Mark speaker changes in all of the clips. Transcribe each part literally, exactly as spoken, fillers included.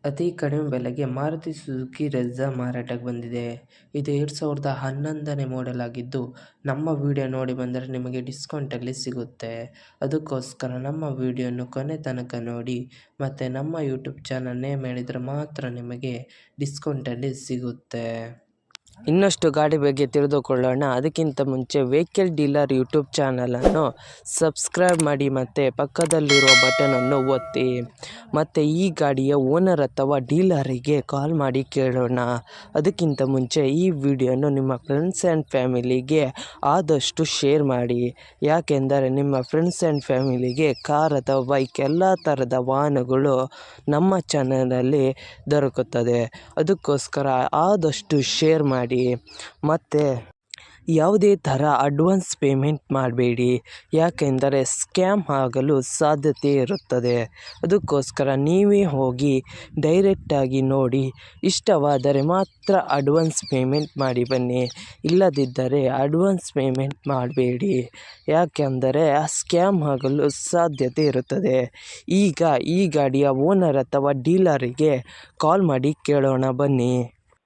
Speaker 1: ಅತಿ ಕಡಿಮೆ ಬೆಲೆಗೆ ಮಾರುತಿ ಸುಜುಕಿ ಬ್ರೆಝಾ ಮಾರಾಟಕ್ಕೆ ಬಂದಿದೆ. ಇದು ಎರಡು ಸಾವಿರದ ಹನ್ನೊಂದನೇ ಮಾಡೆಲ್ ಆಗಿದ್ದು, ನಮ್ಮ ವಿಡಿಯೋ ನೋಡಿ ಬಂದರೆ ನಿಮಗೆ ಡಿಸ್ಕೌಂಟಲ್ಲಿ ಸಿಗುತ್ತೆ. ಅದಕ್ಕೋಸ್ಕರ ನಮ್ಮ ವಿಡಿಯೋನ ಕೊನೆ ತನಕ ನೋಡಿ ಮತ್ತು ನಮ್ಮ ಯೂಟ್ಯೂಬ್ ಚಾನಲ್ ನೇಮ್ ಹೇಳಿದರೆ ಮಾತ್ರ ನಿಮಗೆ ಡಿಸ್ಕೌಂಟಲ್ಲಿ ಸಿಗುತ್ತೆ. ಇನ್ನಷ್ಟು ಗಾಡಿ ಬಗ್ಗೆ ತಿಳಿದುಕೊಳ್ಳೋಣ. ಅದಕ್ಕಿಂತ ಮುಂಚೆ ವೆಹಿಕಲ್ ಡೀಲರ್ ಯೂಟ್ಯೂಬ್ ಚಾನಲನ್ನು ಸಬ್ಸ್ಕ್ರೈಬ್ ಮಾಡಿ ಮತ್ತು ಪಕ್ಕದಲ್ಲಿರುವ ಬಟನನ್ನು ಒತ್ತಿ. ಮತ್ತು ಈ ಗಾಡಿಯ ಓನರ್ ಅಥವಾ ಡೀಲರಿಗೆ ಕಾಲ್ ಮಾಡಿ ಕೇಳೋಣ. ಅದಕ್ಕಿಂತ ಮುಂಚೆ ಈ ವಿಡಿಯೋನು ನಿಮ್ಮ ಫ್ರೆಂಡ್ಸ್ ಆ್ಯಂಡ್ ಫ್ಯಾಮಿಲಿಗೆ ಆದಷ್ಟು ಶೇರ್ ಮಾಡಿ. ಯಾಕೆಂದರೆ ನಿಮ್ಮ ಫ್ರೆಂಡ್ಸ್ ಆ್ಯಂಡ್ ಫ್ಯಾಮಿಲಿಗೆ ಕಾರ್ ಅಥವಾ ಬೈಕ್ ಎಲ್ಲ ಥರದ ವಾಹನಗಳು ನಮ್ಮ ಚಾನಲಲ್ಲಿ ದೊರಕುತ್ತದೆ. ಅದಕ್ಕೋಸ್ಕರ ಆದಷ್ಟು ಶೇರ್ ಮಾಡಿ. ಮತ್ತು ಯಾವುದೇ ಥರ ಅಡ್ವಾನ್ಸ್ ಪೇಮೆಂಟ್ ಮಾಡಬೇಡಿ, ಯಾಕೆಂದರೆ ಸ್ಕ್ಯಾಮ್ ಆಗಲು ಸಾಧ್ಯತೆ ಇರುತ್ತದೆ. ಅದಕ್ಕೋಸ್ಕರ ನೀವೇ ಹೋಗಿ ಡೈರೆಕ್ಟಾಗಿ ನೋಡಿ, ಇಷ್ಟವಾದರೆ ಮಾತ್ರ ಅಡ್ವಾನ್ಸ್ ಪೇಮೆಂಟ್ ಮಾಡಿ ಬನ್ನಿ. ಇಲ್ಲದಿದ್ದರೆ ಅಡ್ವಾನ್ಸ್ ಪೇಮೆಂಟ್ ಮಾಡಬೇಡಿ, ಯಾಕೆಂದರೆ ಸ್ಕ್ಯಾಮ್ ಆಗಲು ಸಾಧ್ಯತೆ ಇರುತ್ತದೆ. ಈಗ ಈ ಗಾಡಿಯ ಓನರ್ ಅಥವಾ ಡೀಲರಿಗೆ ಕಾಲ್ ಮಾಡಿ ಕೇಳೋಣ ಬನ್ನಿ.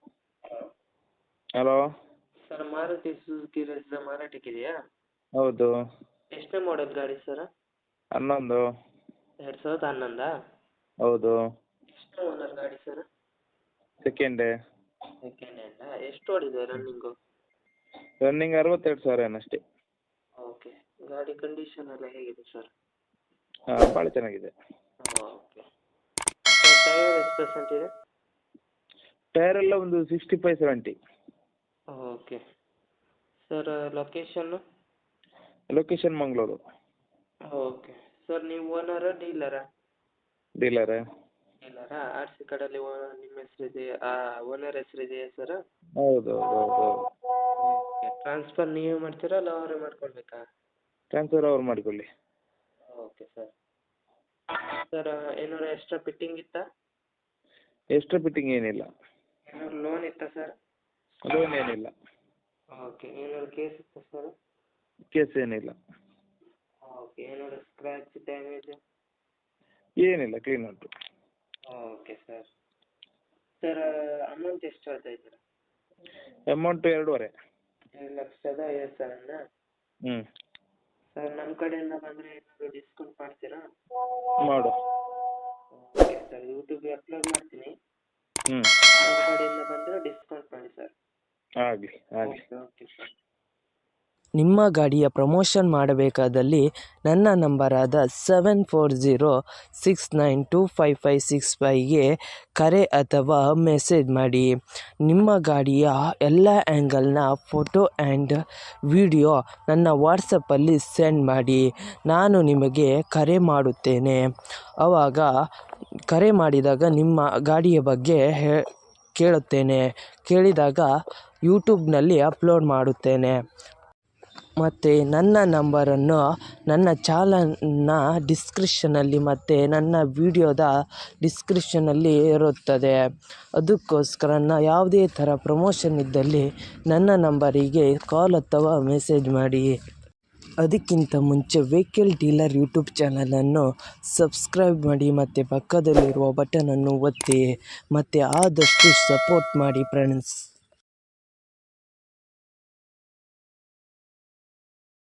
Speaker 2: Hello
Speaker 1: sir, Maruti Suzuki Brezza ಮಾರಾಟಕ್ಕಿದೆಯಾ?
Speaker 2: ಹೌದು.
Speaker 1: ಎಷ್ಟನೇ ಮಾಡೆಲ್ ಗಾಡಿ ಸರ್?
Speaker 2: ಹನ್ನೊಂದು.
Speaker 1: ಎರಡು ಸಾವಿರದ ಹನ್ನೊಂದಾ?
Speaker 2: ಹೌದು.
Speaker 1: ಎಷ್ಟನೇ ಓನರ್ ಗಾಡಿ ಸರ್?
Speaker 2: ಸೆಕೆಂಡೇ.
Speaker 1: ಸೆಕೆಂಡ್ ಹ್ಯಾಂಡಾ? ಎಷ್ಟು ಓಡಿದೆ ರನ್ನಿಂಗು?
Speaker 2: ರನ್ನಿಂಗ್ ಅರವತ್ತೆರಡು ಸಾವಿರ ಏನಷ್ಟೇ.
Speaker 1: ಓಕೆ. ಗಾಡಿ ಕಂಡೀಷನ್ ಎಲ್ಲ ಹೇಗಿದೆ ಸರ್?
Speaker 2: ಹಾಂ, ಭಾಳ ಚೆನ್ನಾಗಿದೆ.
Speaker 1: ಓಕೆ. ಸರ್, ಟೈರ್ ಎಷ್ಟು ಪರ್ಸೆಂಟ್ ಇದೆ?
Speaker 2: ಟೈರ್ ಎಲ್ಲ ಒಂದು sixty five seventy.
Speaker 1: Okay. Sir, ಲೊಕೇಶನ್ನು?
Speaker 2: ಲೊಕೇಶನ್ ಮಂಗಳೂರು.
Speaker 1: ಓಕೆ. ಸರ್, ನೀವು ಓನರಾ ಡೀಲರಾ?
Speaker 2: ಡೀಲರೇ.
Speaker 1: ಡೀಲರಾ? ಆರ್ ಸಿ ಕಾರ್ಡಲ್ಲಿ ನಿಮ್ಮ ಹೆಸರಿದೆಯಾ? Owner ಹೆಸರಿದೆಯಾ sir?
Speaker 2: ಹೌದು ಹೌದು ಹೌದು.
Speaker 1: ಓಕೆ. ಟ್ರಾನ್ಸ್ಫರ್ ನೀವೇ ಮಾಡ್ತೀರಾ ಅಲ್ಲ ಅವರೇ ಮಾಡ್ಕೊಳ್ಬೇಕಾ?
Speaker 2: ಟ್ರಾನ್ಸ್ಫರ್ ಅವ್ರು ಮಾಡಿಕೊಳ್ಳಿ.
Speaker 1: Okay sir. ಸರ್, ಏನಾದ್ರು ಎಕ್ಸ್ಟ್ರಾ ಫಿಟ್ಟಿಂಗ್ ಇತ್ತಾ?
Speaker 2: ಎಕ್ಸ್ಟ್ರಾ ಫಿಟ್ಟಿಂಗ್ ಏನಿಲ್ಲ.
Speaker 1: ಏನಾದ್ರು ಲೋನ್ ಇತ್ತಾ ಸರ್?
Speaker 2: ಲೋನ್ ಏನಿಲ್ಲ.
Speaker 1: ಓಕೆ. ಏನಾದ್ರು ಕೇಸ್ ಇತ್ತಾ ಸರ್?
Speaker 2: ಕೇಸ್ ಏನಿಲ್ಲ.
Speaker 1: ಓಕೆ. ಏನಾದ್ರು ಸ್ಕ್ರ್ಯಾಚ್ ಡ್ಯಾಮೇಜ್?
Speaker 2: ಏನಿಲ್ಲ, ಕ್ಲೀನ್ ಉಂಟು.
Speaker 1: Okay sir. ಸರ್, ಅಮೌಂಟ್ ಎಷ್ಟು ಹೇಳ್ತಾ ಇದ್ದೀರಾ?
Speaker 2: ಅಮೌಂಟ್ ಎರಡೂವರೆ.
Speaker 1: ಎರಡು ಲಕ್ಷದ ಐವತ್ತು ಸಾವಿರನಾ?
Speaker 2: ಹ್ಞೂ.
Speaker 1: ಸರ್, ನಮ್ಮ ಕಡೆಯಿಂದ ಬಂದರೆ ಏನಾದರೂ ಡಿಸ್ಕೌಂಟ್ ಮಾಡ್ತೀರಾ?
Speaker 2: ಮಾಡು.
Speaker 1: ಓಕೆ ಸರ್, ಯೂಟ್ಯೂಬ್ಗೆ ಅಪ್ಲೋಡ್ ಮಾಡ್ತೀನಿ.
Speaker 2: ಹ್ಞೂ.
Speaker 1: ನಮ್ಮ ಕಡೆಯಿಂದ ಬಂದರೆ ಡಿಸ್ಕೌಂಟ್ ಮಾಡಿ ಸರ್.
Speaker 2: ಆಗಲಿ ಆಗಲಿ.
Speaker 1: Okay okay sir.
Speaker 3: ನಿಮ್ಮ ಗಾಡಿಯ ಪ್ರಮೋಷನ್ ಮಾಡಬೇಕಾದಲ್ಲಿ ನನ್ನ ನಂಬರಾದ seven four zero six nine two five five six ಫೈವ್ಗೆ ಕರೆ ಅಥವಾ ಮೆಸೇಜ್ ಮಾಡಿ. ನಿಮ್ಮ ಗಾಡಿಯ ಎಲ್ಲ ಆ್ಯಂಗಲ್ನ ಫೋಟೋ ಆ್ಯಂಡ್ ವಿಡಿಯೋ ನನ್ನ ವಾಟ್ಸಪ್ಪಲ್ಲಿ ಸೆಂಡ್ ಮಾಡಿ. ನಾನು ನಿಮಗೆ ಕರೆ ಮಾಡುತ್ತೇನೆ. ಆವಾಗ ಕರೆ ಮಾಡಿದಾಗ ನಿಮ್ಮ ಗಾಡಿಯ ಬಗ್ಗೆ ಹೇ ಕೇಳುತ್ತೇನೆ. ಕೇಳಿದಾಗ ಯೂಟ್ಯೂಬ್ನಲ್ಲಿ ಅಪ್ಲೋಡ್ ಮಾಡುತ್ತೇನೆ. ಮತ್ತು ನನ್ನ ನಂಬರನ್ನು ನನ್ನ ಚಾನಲ್ನ ಡಿಸ್ಕ್ರಿಪ್ಷನಲ್ಲಿ ಮತ್ತು ನನ್ನ ವಿಡಿಯೋದ ಡಿಸ್ಕ್ರಿಪ್ಷನಲ್ಲಿ ಇರುತ್ತದೆ. ಅದಕ್ಕೋಸ್ಕರ ನಾ ಯಾವುದೇ ಥರ ಪ್ರಮೋಷನ್ ಇದ್ದಲ್ಲಿ ನನ್ನ ನಂಬರಿಗೆ ಕಾಲ್ ಅಥವಾ ಮೆಸೇಜ್ ಮಾಡಿ. ಅದಕ್ಕಿಂತ ಮುಂಚೆ ವೆಹಿಕಲ್ ಡೀಲರ್ ಯೂಟ್ಯೂಬ್ ಚಾನಲನ್ನು ಸಬ್ಸ್ಕ್ರೈಬ್ ಮಾಡಿ ಮತ್ತು ಪಕ್ಕದಲ್ಲಿರುವ ಬಟನನ್ನು ಒತ್ತಿ ಮತ್ತು ಆದಷ್ಟು ಸಪೋರ್ಟ್ ಮಾಡಿ ಫ್ರೆಂಡ್ಸ್.